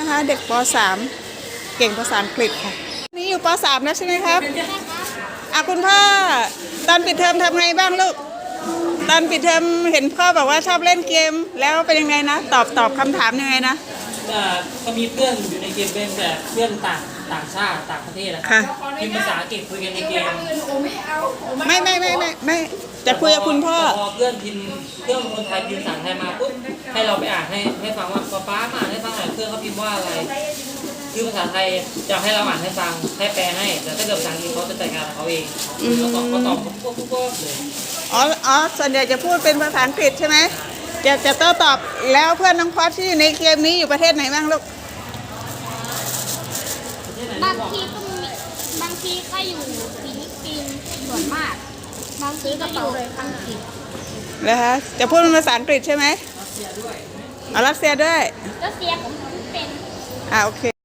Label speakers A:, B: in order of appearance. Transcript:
A: นะคะเด็กป .3 เก่งภาษาอังกฤษค่ะนี่อยู่ป .3 แล้วใช่ไหมครับคุณพ่อตอนปิดเทอมทำไงบ้างลูกตอนปิดเทอมเห็นพ่อบอกว่าชอบเล่นเกมแล้วเป็นยังไงนะตอบคำถามยังไงนะ
B: ก็มีเพื่อนอยู่ในเกมเป็นแต่เพื่อนต่างชาติต่างประเทศนะครับพิมพ์ภาษาอังกฤษคุยกันในเกม
A: ไม่จะคุยกับคุณพ่อ
B: พอเพื่อนพิมพ์เพื่อนคนไทยพิมพ์ภาษาไทยมาปุ๊บให้เราไปอ่านให้ฟังว่าป๊ามาอ่านให้ฟังหน่อยเพื่อนเขาพิมพ์ว่าอะไรคือภาษาไทยจะให้เราอ่านให้ฟังให้แปลให้แต่ถ้าเกิดภาษาอังกฤษเขาจะจัดการของเขาเองเขาตอบพวกเลย
A: ส่วนใหญ่จะพูดเป็นภาษาอังกฤษใช่ไหมจะโต้ตอบแล้วเพื่อนน้องพอดที่อยู่ในเกมนี้อยู่ประเทศไหนบ้างลูก
C: บางทีก็อยู่ฟิลิปปินส์ส่วนมากบางทีก็อยู่อังกฤษ
A: แล้วฮะจะพูดเป็นภาษาอังกฤษใช่ไหมรัสเซียด้วย
C: รัสเซียผมเป็น
A: โอเค